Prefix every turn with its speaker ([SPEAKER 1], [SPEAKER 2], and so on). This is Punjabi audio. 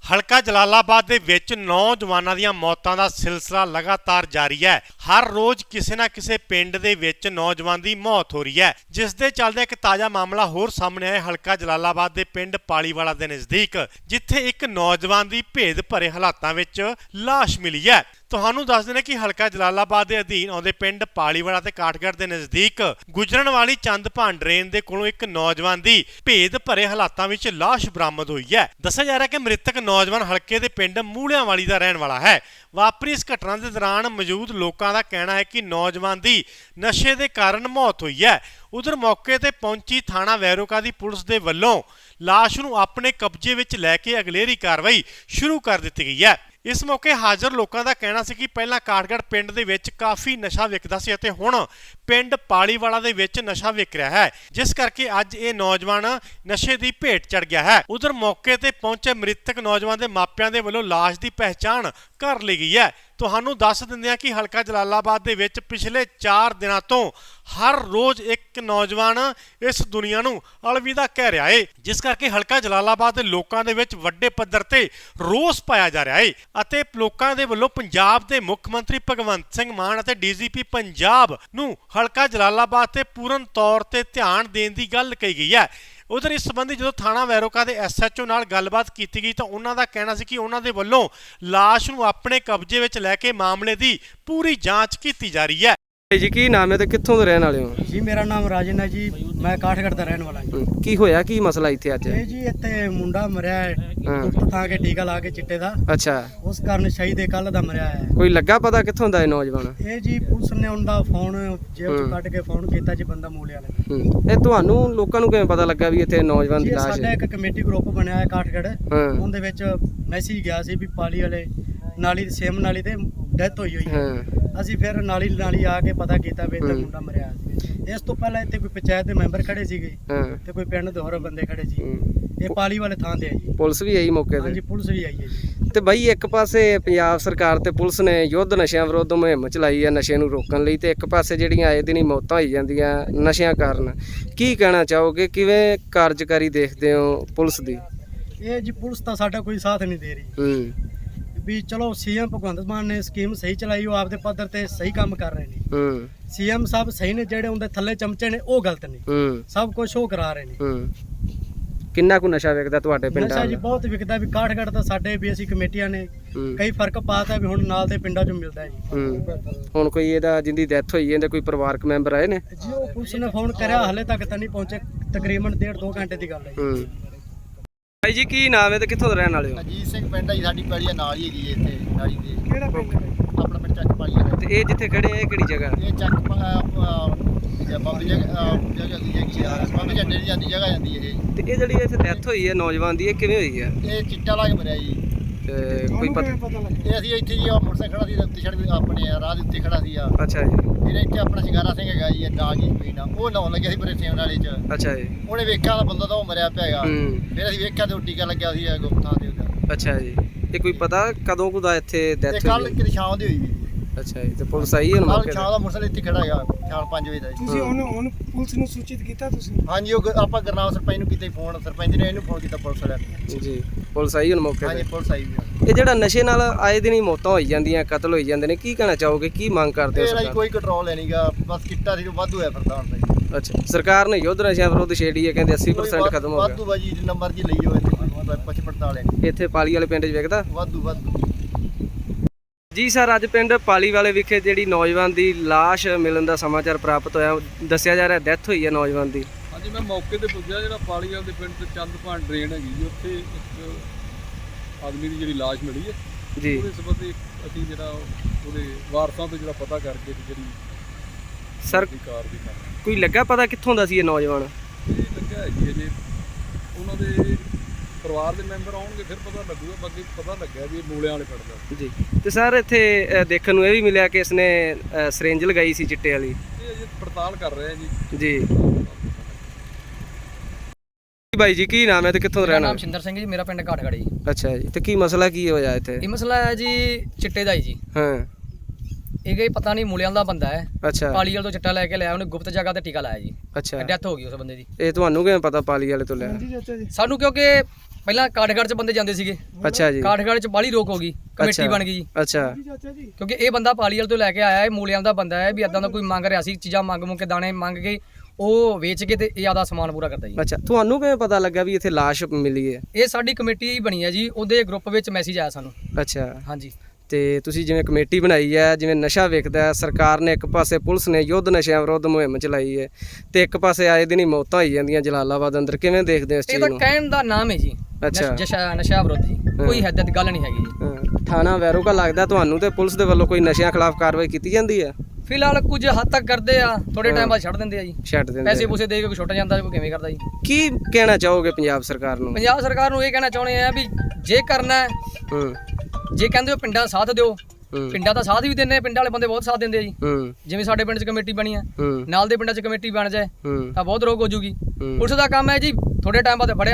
[SPEAKER 1] ਹਲਕਾ ਜਲਾਲਾਬਾਦ ਦੇ ਵਿੱਚ ਨੌਜਵਾਨਾਂ ਦੀਆਂ ਮੌਤਾਂ ਦਾ ਸਿਲਸਿਲਾ ਲਗਾਤਾਰ ਜਾਰੀ ਹੈ। ਹਰ ਰੋਜ਼ ਕਿਸੇ ਨਾ ਕਿਸੇ ਪਿੰਡ ਦੇ ਵਿੱਚ ਨੌਜਵਾਨ ਦੀ ਮੌਤ ਹੋ ਰਹੀ ਹੈ, ਜਿਸ ਦੇ ਚੱਲਦੇ ਇੱਕ ਤਾਜ਼ਾ ਮਾਮਲਾ ਹੋਰ ਸਾਹਮਣੇ ਆਇਆ ਹਲਕਾ ਜਲਾਲਾਬਾਦ ਦੇ ਪਿੰਡ ਪਾਲੀਵਾਲਾ ਦੇ ਨਜ਼ਦੀਕ, ਜਿੱਥੇ ਇੱਕ ਨੌਜਵਾਨ ਦੀ ਭੇਦ ਭਰੇ ਹਾਲਾਤਾਂ ਵਿੱਚ ਲਾਸ਼ ਮਿਲੀ ਹੈ। ਤੁਹਾਨੂੰ ਦੱਸ ਦਿੰਦੇ ਕਿ ਹਲਕਾ ਜਲਾਲਾਬਾਦ ਦੇ ਅਧੀਨ ਆਉਂਦੇ ਪਿੰਡ ਪਾਲੀਵਾਲਾ ਤੇ ਕਾਠਗੜ੍ਹ ਦੇ ਨਜ਼ਦੀਕ ਗੁਜਰਨ ਵਾਲੀ ਚੰਦਭਾਨ ਡਰੇਨ ਦੇ ਕੋਲੋਂ ਇੱਕ ਨੌਜਵਾਨ ਦੀ ਭੇਦ ਭਰੇ ਹਾਲਾਤਾਂ ਵਿੱਚ ਲਾਸ਼ ਬਰਾਮਦ ਹੋਈ ਹੈ। ਦੱਸਿਆ ਜਾ ਰਿਹਾ ਕਿ ਮ੍ਰਿਤਕ ਨੌਜਵਾਨ ਹਲਕੇ ਦੇ ਪਿੰਡ ਮੂਲਿਆਂ ਵਾਲੀ ਦਾ ਰਹਿਣ ਵਾਲਾ ਹੈ। ਵਾਪਰੀ ਇਸ ਘਟਨਾ ਦੇ ਦੌਰਾਨ ਮੌਜੂਦ ਲੋਕਾਂ ਦਾ ਕਹਿਣਾ ਹੈ ਕਿ ਨੌਜਵਾਨ ਦੀ ਨਸ਼ੇ ਦੇ ਕਾਰਨ ਮੌਤ ਹੋਈ ਹੈ। ਉਧਰ ਮੌਕੇ ਤੇ ਪਹੁੰਚੀ ਥਾਣਾ ਵੈਰੋਕਾ ਦੀ ਪੁਲਿਸ ਦੇ ਵੱਲੋਂ ਲਾਸ਼ ਨੂੰ ਆਪਣੇ ਕਬਜ਼ੇ ਵਿੱਚ ਲੈ ਕੇ ਅਗਲੇਰੀ ਕਾਰਵਾਈ ਸ਼ੁਰੂ ਕਰ ਦਿੱਤੀ ਗਈ ਹੈ। ਇਸ ਮੌਕੇ ਹਾਜ਼ਰ ਲੋਕਾਂ ਦਾ ਕਹਿਣਾ ਸੀ ਕਿ ਪਹਿਲਾਂ ਕਾਠਗੜ੍ਹ ਪਿੰਡ ਦੇ ਵਿੱਚ ਕਾਫੀ ਨਸ਼ਾ ਵਿਕਦਾ ਸੀ ਅਤੇ ਹੁਣ ਪਿੰਡ ਪਾਲੀਵਾਲਾ ਦੇ ਵਿੱਚ ਨਸ਼ਾ ਵਿਕ ਰਿਹਾ ਹੈ, ਜਿਸ ਕਰਕੇ ਅੱਜ ਇਹ ਨੌਜਵਾਨ ਨਸ਼ੇ ਦੀ ਭੇਟ ਚੜ ਗਿਆ ਹੈ। ਉਧਰ ਮੌਕੇ ਤੇ ਪਹੁੰਚੇ ਮ੍ਰਿਤਕ ਨੌਜਵਾਨ ਦੇ ਮਾਪਿਆਂ ਦੇ ਵੱਲੋਂ ਲਾਸ਼ ਦੀ ਪਹਿਚਾਣ ਕਰ ਲਈ ਗਈ ਹੈ। ਤੁਹਾਨੂੰ ਦੱਸ ਦਿੰਦੇ ਹਾਂ ਕਿ ਹਲਕਾ ਜਲਾਲਾਬਾਦ ਦੇ ਵਿੱਚ ਪਿਛਲੇ 4 ਦਿਨਾਂ ਤੋਂ ਹਰ ਰੋਜ਼ ਇੱਕ ਨੌਜਵਾਨ ਇਸ ਦੁਨੀਆ ਨੂੰ ਅਲਵਿਦਾ ਕਹਿ ਰਿਹਾ ਹੈ, ਜਿਸ ਕਰਕੇ ਹਲਕਾ ਜਲਾਲਾਬਾਦ ਦੇ ਲੋਕਾਂ ਦੇ ਵਿੱਚ ਵੱਡੇ ਪੱਧਰ ਤੇ ਰੋਸ ਪਾਇਆ ਜਾ ਰਿਹਾ ਹੈ ਅਤੇ ਲੋਕਾਂ ਦੇ ਵੱਲੋਂ ਪੰਜਾਬ ਦੇ ਮੁੱਖ ਮੰਤਰੀ ਭਗਵੰਤ ਸਿੰਘ ਮਾਨ ਅਤੇ ਡੀਜੀਪੀ ਪੰਜਾਬ ਨੂੰ ਹਲਕਾ ਜਲਾਲਾਬਾਦ ਤੇ ਪੂਰਨ ਤੌਰ ਤੇ ਧਿਆਨ ਦੇਣ ਦੀ ਗੱਲ ਕਹੀ ਗਈ ਹੈ। ਉਧਰ ਇਸ ਸੰਬੰਧੀ ਜਦੋਂ ਥਾਣਾ ਵੈਰੋਕਾ ਦੇ ਐਸਐਚਓ ਨਾਲ ਗੱਲਬਾਤ ਕੀਤੀ ਗਈ ਤਾਂ ਉਹਨਾਂ ਦਾ ਕਹਿਣਾ ਸੀ ਕਿ ਉਹਨਾਂ ਦੇ ਵੱਲੋਂ ਲਾਸ਼ ਨੂੰ ਆਪਣੇ ਕਬਜ਼ੇ ਵਿੱਚ ਲੈ ਕੇ ਮਾਮਲੇ ਦੀ ਪੂਰੀ ਜਾਂਚ ਕੀਤੀ ਜਾ ਰਹੀ ਹੈ।
[SPEAKER 2] ਜੀ ਕੀ ਨਾਮ ਹੈ ਤੇ ਕਿੱਥੋਂ ਦੇ ਰਹਿਣ ਵਾਲੇ ਹੋ?
[SPEAKER 3] ਜੀ ਮੇਰਾ ਨਾਮ ਰਾਜਨ ਹੈ ਜੀ, ਮੈਂ ਕਾਠਗੜ੍ਹ ਦਾ ਰਹਿਣ ਵਾਲਾ ਜੀ।
[SPEAKER 2] ਕੀ ਹੋਇਆ, ਕੀ ਮਸਲਾ ਇੱਥੇ ਅੱਜ?
[SPEAKER 3] ਇਹ ਜੀ ਇੱਥੇ ਮੁੰਡਾ ਮਰਿਆ ਹੈ ਡਾਕਟਰ ਥਾਂ ਕੇ ਟੀਕਾ ਲਾ ਕੇ ਚਿੱਟੇ ਦਾ।
[SPEAKER 2] ਅੱਛਾ,
[SPEAKER 3] ਉਸ ਕਾਰਨ ਸ਼ਹੀਦ ਕੱਲ ਦਾ ਮਰਿਆ ਹੈ।
[SPEAKER 2] ਕੋਈ ਲੱਗਾ ਪਤਾ ਕਿੱਥੋਂ ਦਾ ਇਹ ਨੌਜਵਾਨ?
[SPEAKER 3] ਇਹ ਜੀ ਪੁਲਿਸ ਨੇ ਉਹਦਾ ਫੋਨ ਜੇਬ ਚੋਂ ਕੱਢ ਕੇ ਫੋਨ ਕੀਤਾ ਜੀ, ਬੰਦਾ ਮੂਲੇ ਵਾਲੇ।
[SPEAKER 2] ਇਹ ਤੁਹਾਨੂੰ ਲੋਕਾਂ ਨੂੰ ਕਿਵੇਂ ਪਤਾ ਲੱਗਾ ਵੀ ਇੱਥੇ ਨੌਜਵਾਨ ਦੀ
[SPEAKER 3] ਜੀ
[SPEAKER 2] ਲਾਸ਼
[SPEAKER 3] ਸਾਡਾ
[SPEAKER 2] ਹੈ?
[SPEAKER 3] ਇੱਕ ਕਮੇਟੀ ਗਰੁੱਪ ਬਣਿਆ ਹੈ ਕਾਠਗੜ੍ਹ, ਉਹਦੇ ਵਿੱਚ ਮੈਸੇਜ ਗਿਆ ਸੀ ਵੀ ਪਾਲੀ ਵਾਲੇ ਨਾਲੀ ਸੇਮ ਨਾਲੀ ਤੇ ਡੈਥ ਹੋਈ ਹੋਈ ਹੈ। ਅਸੀਂ ਫਿਰ ਨਾਲੀ ਆ ਕੇ ਪਤਾ ਕੀਤਾ ਵੀ ਇੱਥੇ ਮੁੰਡਾ ਮਰਿਆ ਸੀ। ਇਸ ਤੋਂ ਪਹਿਲਾਂ ਇੱਥੇ ਕੋਈ ਪੰਚਾਇਤ ਦੇ ਮੈਂਬਰ ਖੜੇ ਸੀਗੇ ਤੇ ਕੋਈ ਪਿੰਡ ਦੇ ਹੋਰ ਬੰਦੇ ਖੜੇ ਸੀ। ਇਹ ਪਾਲੀ ਵਾਲੇ ਥਾਂ ਤੇ ਹੈ ਜੀ।
[SPEAKER 2] ਪੁਲਿਸ ਵੀ ਆਈ ਮੌਕੇ ਤੇ?
[SPEAKER 3] ਹਾਂਜੀ, ਪੁਲਿਸ ਵੀ ਆਈ ਹੈ ਜੀ।
[SPEAKER 2] ਤੇ ਬਾਈ ਇੱਕ ਪਾਸੇ ਪੰਜਾਬ ਸਰਕਾਰ ਤੇ ਪੁਲਿਸ ਨੇ ਯੁੱਧ ਨਸ਼ਿਆਂ ਵਿਰੁੱਧ ਮੁਹਿੰਮ ਚਲਾਈ ਹੈ ਨਸ਼ੇ ਨੂੰ ਰੋਕਣ ਲਈ, ਤੇ ਇੱਕ ਪਾਸੇ ਜਿਹੜੀਆਂ ਆਏ ਦਿਨ ਹੀ ਮੌਤਾਂ ਹੋਈ ਜਾਂਦੀਆਂ ਨਸ਼ਿਆਂ ਕਾਰਨ, ਕੀ ਕਹਿਣਾ ਚਾਹੋਗੇ? ਕਿਵੇਂ ਕਾਰਜਕਾਰੀ ਦੇਖਦੇ ਹੋ ਪੁਲਿਸ ਦੀ?
[SPEAKER 3] ਇਹ ਜੀ ਪੁਲਿਸ ਤਾਂ ਸਾਡਾ ਕੋਈ ਸਾਥ ਨਹੀਂ ਦੇ ਰਹੀ ਵੀ ਚਲੋ ਸੀਐਮ ਭਗਵੰਤ ਮਾਨ ਨੇ ਸਕੀਮ ਸਹੀ ਚਲਾਈ, ਉਹ ਆਪਦੇ ਪੱਧਰ ਤੇ ਸਹੀ ਕੰਮ ਕਰ ਰਹੇ ਨੇ। ਸੀਐਮ ਸਾਹਿਬ ਸਹੀ ਨੇ, ਜਿਹੜੇ ਉਹਦੇ ਥੱਲੇ ਚਮਚੇ ਨੇ ਉਹ ਗਲਤ ਨੇ। ਸਭ ਕੁਝ ਉਹ ਕਰਾ ਰਹੇ ਨੇ।
[SPEAKER 2] ਕਿੰਨਾ ਕੁ ਨਸ਼ਾ ਵਿਕਦਾ ਤੁਹਾਡੇ ਪਿੰਡਾਂ
[SPEAKER 3] ਨਸ਼ਾ ਜੀ ਬਹੁਤ ਵਿਕਦਾ ਵੀ ਕਾਠਗੜ੍ਹ ਤਾਂ ਸਾਡੇ ਵੀ ਅਸੀਂ ਕਮੇਟੀਆਂ ਨੇ ਕਈ ਫਰਕ ਪਾਤਾ ਵੀ ਹੁਣ ਨਾਲ ਦੇ ਪਿੰਡਾਂ ਚੋਂ ਮਿਲਦਾ ਜੀ।
[SPEAKER 2] ਹੁਣ ਕੋਈ ਇਹਦਾ ਜਿੰਦੀ ਡੈਥ ਹੋਈ ਇਹਦੇ ਕੋਈ ਪਰਿਵਾਰਕ ਮੈਂਬਰ ਆਏ ਨੇ
[SPEAKER 3] ਜੀ? ਉਹ ਪੁਲਿਸ ਨੇ ਫੋਨ ਕਰਿਆ, ਹਲੇ ਤੱਕ ਤਾਂ ਨਹੀਂ ਪਹੁੰਚੇ। ਤਕਰੀਬਨ 1.5-2 ਘੰਟੇ ਦੀ ਗੱਲ ਹੈ ਜੀ।
[SPEAKER 2] ਭਾਈ ਜੀ ਕੀ ਨਾਮ ਹੈ ਤੇ ਕਿੱਥੋਂ ਦੇ ਰਹਿਣ ਵਾਲੇ ਹੋ?
[SPEAKER 4] ਅਜੀਤ ਸਿੰਘ ਪਿੰਡ ਹੈ ਜੀ, ਸਾਡੀ ਪੈਲੀ ਨਾਲ ਹੀ ਹੈਗੀ ਇੱਥੇ ਨਾਲੀ ਦੇ।
[SPEAKER 3] ਕਿਹੜਾ ਪਿੰਡ?
[SPEAKER 4] ਆਪਣਾ ਪਿੰਡ ਚੱਕ ਪਾਲੀ ਹੈ।
[SPEAKER 2] ਤੇ ਇਹ ਜਿੱਥੇ ਖੜੇ ਆ ਇਹ ਕਿਹੜੀ ਜਗ੍ਹਾ?
[SPEAKER 4] ਇਹ ਚੱਕ ਬਾਬੇ ਜਗ੍ਹਾ ਦੀ ਹੈਗੀ ਆ, ਬਾਬੇ ਝੰਡੇ ਦੀ ਜਾਂਦੀ ਜਗ੍ਹਾ ਜਾਂਦੀ ਹੈ ਇਹ।
[SPEAKER 2] ਤੇ ਇਹ ਜਿਹੜੀ ਇੱਥੇ ਡੈਥ ਹੋਈ ਹੈ ਨੌਜਵਾਨ ਦੀ, ਇਹ ਕਿਵੇਂ ਹੋਈ ਹੈ?
[SPEAKER 4] ਇਹ ਚਿੱਟਾ ਲਾ ਕੇ ਮਰਿਆ ਜੀ।
[SPEAKER 2] ਤੇ ਕੋਈ ਪਤਾ?
[SPEAKER 4] ਇਹ ਅਸੀਂ ਇੱਥੇ ਜੀ ਮੋਟਰਸਾਈਕਲ ਖੜਾ ਸੀ ਉੱਤੇ ਸੜਕ ਆਪਣੇ ਰਾਹ ਦੇ ਉੱਤੇ ਖੜਾ ਸੀ ਆ।
[SPEAKER 2] ਅੱਛਾ ਜੀ।
[SPEAKER 4] ਫਿਰ ਇੱਥੇ ਆਪਣਾ ਸ਼ਿੰਗਾਰਾ ਸਿੰਘ ਹੈਗਾ ਜੀ, ਡਾਂਗ ਹੀ ਪੀਣਾ, ਉਹ ਨਹਾਉਣ ਲੱਗਿਆ ਸੀ ਪਰੇ ਸੇਮ ਨਾਲੇ 'ਚ।
[SPEAKER 2] ਅੱਛਾ ਜੀ।
[SPEAKER 4] ਉਹਨੇ ਵੇਖਿਆ ਤਾਂ ਬੰਦਾ ਤਾਂ ਉਹ ਮਰਿਆ ਪਿਆ ਹੈਗਾ। ਫਿਰ ਅਸੀਂ ਵੇਖਿਆ ਤੇ ਉਹ ਟੀਕਾ ਲੱਗਿਆ ਸੀ ਗੁਪਤਾਂ ਦੇ ਉੱਤੇ।
[SPEAKER 2] ਅੱਛਾ ਜੀ। ਇਹ ਕੋਈ ਪਤਾ ਕਦੋਂ ਕੁ ਦਾ ਇੱਥੇ ਡੈਥ ਹੋਈ?
[SPEAKER 4] ਕੱਲ ਕਿਤੇ ਸ਼ਾਮ ਦੀ ਹੋਈ ਸੀ।
[SPEAKER 2] ਅੱਛਾ ਜੀ। ਤੇ ਪੁਲਿਸ ਆਈ ਹੁਣ
[SPEAKER 4] ਕੱਲ
[SPEAKER 2] ਮੌਕੇ
[SPEAKER 4] ਸ਼ਾਮ ਦਾ ਮੋਟਰਸਾਈਕਲ ਇੱਥੇ ਖੜਾ ਹੈਗਾ, ਸ਼ਾਮ 5 ਵਜੇ ਦਾ ਜੀ।
[SPEAKER 3] ਤੁਸੀਂ ਉਹਨੂੰ ਪੁਲਿਸ ਨੂੰ ਸੂਚਿਤ ਕੀਤਾ ਤੁਸੀਂ?
[SPEAKER 4] ਹਾਂਜੀ, ਉਹ ਆਪਾਂ ਗੁਰਨਾਮ ਸਰਪੰਚ ਨੂੰ ਕੀਤਾ ਫੋਨ, ਸਰਪੰਚ ਨੇ ਇਹਨੂੰ ਫੋਨ ਕੀਤਾ ਪੁਲਿਸ ਵਾਲਿਆਂ ਨੂੰ।
[SPEAKER 2] ਜੀ। ਪੁਲਿਸ ਆਈ ਹੁਣ ਮੌਕੇ
[SPEAKER 4] ਹਾਂਜੀ,
[SPEAKER 2] ਤੇ?
[SPEAKER 4] ਪੁਲਿਸ ਆਈ ਵੀ।
[SPEAKER 2] ਇਹ ਜਿਹੜਾ ਨਸ਼ੇ ਨਾਲ ਆਏ ਦਿਨ ਹੀ ਮੌਤਾਂ ਹੋਈ ਜਾਂਦੀਆਂ, ਕਤਲ ਹੋਈ ਜਾਂਦੇ ਨੇ, ਕੀ ਕਹਿਣਾ ਚਾਹੋਗੇ? ਕੀ ਮੰਗ ਕਰਦੇ ਹੋ
[SPEAKER 4] ਇਹਦਾ
[SPEAKER 2] ਸਰਕਾਰ?
[SPEAKER 4] ਕੋਈ ਕੰਟਰੋਲ ਹੈ ਨਹੀਂਗਾ, ਬਸ ਕਿੱਟਾ ਸੀ ਵਾਧੂ ਹੈ ਫਿਰਦਾ ਹੁਣ ਤਾਂ।
[SPEAKER 2] ਅੱਛਾ, ਸਰਕਾਰ ਨੇ ਯੁੱਧ ਨਸ਼ਿਆਂ ਵਿਰੁੱਧ ਛੇੜੀ ਹੈ, ਕਹਿੰਦੇ 80% ਖਤਮ ਹੋ ਗਿਆ।
[SPEAKER 4] ਵਾਧੂ ਬਾਜੀ ਜਿੰਨਾ ਮਰਜ਼ੀ ਲਈ ਹੋਏ ਤੇ ਪਛ ਪੜਤਾਲ ਹੈ
[SPEAKER 2] ਇੱਥੇ ਪਾਲੀ ਵਾਲੇ ਪਿੰਡ 'ਚ ਵਿਕਦਾ
[SPEAKER 4] ਵਾਧੂ।
[SPEAKER 2] ਜੀ ਸਰ, ਅੱਜ ਪਿੰਡ ਪਾਲੀ ਵਾਲੇ ਵਿਖੇ ਜਿਹੜੀ ਨੌਜਵਾਨ ਦੀ ਲਾਸ਼ ਮਿਲਣ ਦਾ ਸਮਾਚਾਰ ਪ੍ਰਾਪਤ ਹੋਇਆ, ਦੱਸਿਆ ਜਾ ਰਿਹਾ ਡੈਥ ਹੋਈ ਹੈ ਨੌਜਵਾਨ ਦੀ।
[SPEAKER 5] ਹਾਂਜੀ, ਮੈਂ ਮੌਕੇ ਤੇ ਪੁੱਜਿਆ ਜਿਹੜਾ ਪਾਲੀ ਵਾਲੇ ਦੇ ਪਿੰਡ ਤੇ ਚੰਦਭਾਨ ਡਰੇਨ ਹੈਗੀ ਜੀ, ਉੱਥੇ ਇੱਕ ਆਦਮੀ ਦੀ ਜਿਹੜੀ ਲਾਸ਼ ਮਿਲੀ ਹੈ
[SPEAKER 2] ਜੀ।
[SPEAKER 5] ਉਹਦੇ ਸੰਬੰਧੀ ਅਸੀਂ ਜਿਹੜਾ ਉਹਦੇ ਵਾਰਸਾਂ ਤੋਂ ਜਿਹੜਾ ਪਤਾ ਕਰਕੇ ਜਿਹੜੀ
[SPEAKER 2] ਸਰ
[SPEAKER 5] ਕਾਰ ਦੀ ਕਰ
[SPEAKER 2] ਕੋਈ ਲੱਗਾ ਪਤਾ ਕਿੱਥੋਂ ਦਾ ਸੀ ਇਹ ਨੌਜਵਾਨ?
[SPEAKER 5] ਇਹ ਲੱਗਿਆ ਹੈ ਜੀ ਅਜੇ ਉਹਨਾਂ ਦੇ ਪਰਿਵਾਰ ਦੇ ਮੈਂਬਰ ਆਉਣਗੇ ਫਿਰ ਪਤਾ ਲੱਗੂਗਾ। ਬਾਕੀ ਪਤਾ ਲੱਗਿਆ ਵੀ ਇਹ ਮੂਲਿਆਂ ਵਾਲੇ ਪਿੰਡ ਦਾ
[SPEAKER 2] ਜੀ। ਤੇ ਸਰ ਇੱਥੇ ਦੇਖਣ ਨੂੰ ਇਹ ਵੀ ਮਿਲਿਆ ਕਿ ਇਸਨੇ ਸਿਰਿੰਜ ਲਗਾਈ ਸੀ ਚਿੱਟੇ ਵਾਲੀ।
[SPEAKER 5] ਇਹ ਅਜੇ ਪੜਤਾਲ ਕਰ ਰਹੇ ਆ ਜੀ।
[SPEAKER 2] ਜੀ ਬਾਈ ਜੀ ਕੀ ਨਾਮ ਹੈ ਤੇ ਕਿੱਥੋਂ ਰਹਿਣਾ?
[SPEAKER 6] ਨਾਮ ਸ਼ਿੰਦਰ ਸਿੰਘ ਜੀ, ਮੇਰਾ ਪਿੰਡ ਕਾਠਗੜ੍ਹ ਜੀ।
[SPEAKER 2] ਅੱਛਾ ਜੀ। ਤੇ ਕੀ ਮਸਲਾ ਕੀ ਹੋਇਆ ਇੱਥੇ?
[SPEAKER 6] ਇਹ ਮਸਲਾ ਹੈ ਜੀ ਚਿੱਟੇ ਦਾ ਹੀ ਜੀ।
[SPEAKER 2] ਹਾਂ।
[SPEAKER 6] ਇਹ ਕੋਈ ਪਤਾ ਨਹੀਂ ਮੂਲਿਆਂ ਦਾ ਬੰਦਾ ਹੈ।
[SPEAKER 2] ਅੱਛਾ।
[SPEAKER 6] ਪਾਲੀ ਵਾਲ ਤੋਂ ਚਿੱਟਾ ਲੈ ਕੇ ਲਿਆ, ਉਹਨੇ ਗੁਪਤ ਜਗ੍ਹਾ ਤੇ ਟੀਕਾ ਲਾਇਆ ਜੀ।
[SPEAKER 2] ਅੱਛਾ।
[SPEAKER 6] ਡੈਥ ਹੋ ਗਈ ਉਸ ਬੰਦੇ ਦੀ।
[SPEAKER 2] ਇਹ ਤੁਹਾਨੂੰ ਕਿਵੇਂ ਪਤਾ ਪਾਲੀ ਵਾਲੇ ਤੋਂ ਲਿਆ?
[SPEAKER 6] ਸਾਨੂੰ ਕਿਉਂਕਿ ਪਹਿਲਾਂ ਕਾਠਗੜ੍ਹ 'ਚ ਬੰਦੇ ਜਾਂਦੇ ਸੀਗੇ,
[SPEAKER 2] ਅੱਛਾ ਜੀ,
[SPEAKER 6] ਕਾਠਗੜ੍ਹ 'ਚ ਬਾਹਲੀ ਰੋਕ ਹੋ ਗਈ, ਕਮੇਟੀ ਬਣ ਗਈ ਜੀ।
[SPEAKER 2] ਅੱਛਾ
[SPEAKER 6] ਕਿਉਂਕਿ ਇਹ ਬੰਦਾ ਪਾਲੀਵਾਲ ਤੋਂ ਲੈ ਕੇ ਆਇਆ ਹੈ, ਮੂਲਿਆਂ ਦਾ ਬੰਦਾ ਹੈ, ਵੀ ਇਦਾਂ ਦਾ ਕੋਈ ਮੰਗ ਰਿਹਾ ਸੀ, ਚੀਜ਼ਾਂ ਮੰਗ ਕੇ ਦਾਣੇ ਮੰਗ ਕੇ ਉਹ ਵੇਚ ਕੇ ਤੇ ਇਹ ਆਦਾ ਸਮਾਨ ਪੂਰਾ ਕਰਦਾ ਜੀ।
[SPEAKER 2] ਅੱਛਾ, ਤੁਹਾਨੂੰ ਕਿਵੇਂ ਪਤਾ ਲੱਗਾ ਵੀ ਇੱਥੇ ਲਾਸ਼ ਮਿਲੀ ਹੈ?
[SPEAKER 6] ਇਹ ਸਾਡੀ ਕਮੇਟੀ ਹੀ ਬਣੀ ਹੈ ਜੀ, ਉਹਦੇ ਗਰੁੱਪ ਵਿੱਚ ਮੈਸੇਜ ਆਇਆ ਸਾਨੂੰ।
[SPEAKER 2] ਅੱਛਾ,
[SPEAKER 6] ਹਾਂਜੀ।
[SPEAKER 2] ਤੇ ਤੁਸੀਂ ਜਿਵੇਂ ਕਮੇਟੀ ਬਣਾਈ ਹੈ, ਜਿਵੇਂ ਨਸ਼ਾ ਵਿਕਦਾ ਹੈ, ਸਰਕਾਰ ਨੇ ਇੱਕ ਪਾਸੇ ਪੁਲਿਸ ਨੇ ਯੁੱਧ ਨਸ਼ਿਆਂ ਵਿਰੁੱਧ ਮੁਹਿੰਮ ਚਲਾਈ ਹੈ ਤੇ ਇੱਕ ਪਾਸੇ ਆਏ ਦਿਨ ਹੀ ਮੌਤਾਂ ਹੋਈ ਜਾਂਦੀਆਂ ਜਲਾਲਾਬਾਦ ਅੰਦਰ, ਕਿਵੇਂ ਦੇਖਦੇ ਹੋ ਇਸ
[SPEAKER 6] ਇਹ
[SPEAKER 2] ਚੀਜ਼
[SPEAKER 6] ਤਾਂ
[SPEAKER 2] ਨੂੰ?
[SPEAKER 6] ਕਹਿਣ ਦਾ ਨਾਮ ਹੈ ਜੀ,
[SPEAKER 2] ਅੱਛਾ।
[SPEAKER 6] ਨਸ਼ਾ ਵਿਰੁੱਧ ਜੀ, ਕੋਈ ਹੱਦ ਗੱਲ ਨਹੀਂ ਹੈਗੀ ਜੀ।
[SPEAKER 2] ਹਾਂ, ਥਾਣਾ ਵੈਰੋਗਾ ਲੱਗਦਾ ਤੁਹਾਨੂੰ ਤੇ ਪੁਲਿਸ ਦੇ ਵੱਲੋਂ ਕੋਈ ਨਸ਼ਿਆਂ ਖਿਲਾਫ ਕਾਰਵਾਈ ਕੀਤੀ ਜਾਂਦੀ ਹੈ?
[SPEAKER 6] ਫਿਲਹਾਲ ਕੁਝ ਹੱਦ ਤੱਕ ਕਰਦੇ ਆ, ਥੋੜੇ ਟਾਈਮ ਬਾਅਦ ਛੱਡ ਦਿੰਦੇ ਆ ਜੀ,
[SPEAKER 2] ਛੱਡ ਦਿੰਦੇ
[SPEAKER 6] ਪੈਸੇ
[SPEAKER 2] ਆ।
[SPEAKER 6] ਪੂਸੇ ਦੇ ਕੇ ਕੋਈ ਛੁੱਟ ਜਾਂਦਾ, ਕੋਈ ਕਿਵੇਂ ਕਰਦਾ ਜੀ।
[SPEAKER 2] ਕੀ ਕਹਿਣਾ ਚਾਹੋਗੇ ਪੰਜਾਬ ਸਰਕਾਰ ਨੂੰ?
[SPEAKER 6] ਪੰਜਾਬ ਸਰਕਾਰ ਨੂੰ ਇਹ ਕਹਿਣਾ ਚਾਹੁੰਦੇ ਆ ਵੀ ਜੇ ਕਰਨਾ ਹੈ,
[SPEAKER 2] ਹੂੰ
[SPEAKER 6] ਜੇ ਕਹਿੰਦੇ ਹੋ ਪਿੰਡਾਂ ਦਾ ਸਾਥ ਦਿਓ,
[SPEAKER 2] ਹੂੰ
[SPEAKER 6] ਪਿੰਡਾਂ ਦਾ ਸਾਥ ਵੀ ਦਿੰਦੇ, ਪਿੰਡਾਂ ਵਾਲੇ ਬੰਦੇ ਬਹੁਤ ਸਾਥ ਦਿੰਦੇ ਆ ਜੀ।
[SPEAKER 2] ਹੂੰ
[SPEAKER 6] ਜਿਵੇਂ ਸਾਡੇ ਪਿੰਡ 'ਚ ਕਮੇਟੀ ਬਣੀ ਆ,
[SPEAKER 2] ਹੂੰ
[SPEAKER 6] ਨਾਲ ਦੇ ਪਿੰਡਾਂ 'ਚ ਕਮੇਟੀ ਬਣ ਜਾਏ
[SPEAKER 2] ਹੂੰ
[SPEAKER 6] ਤਾਂ ਬਹੁਤ ਰੋਕ ਹੋ ਜੂਗੀ।
[SPEAKER 2] ਹੂੰ।
[SPEAKER 6] ਪੁਲਿਸ ਦਾ ਕੰਮ ਹੈ ਜੀ, ਥੋੜੇ ਟਾਈਮ ਬਾਅਦ ਫੜਿਆ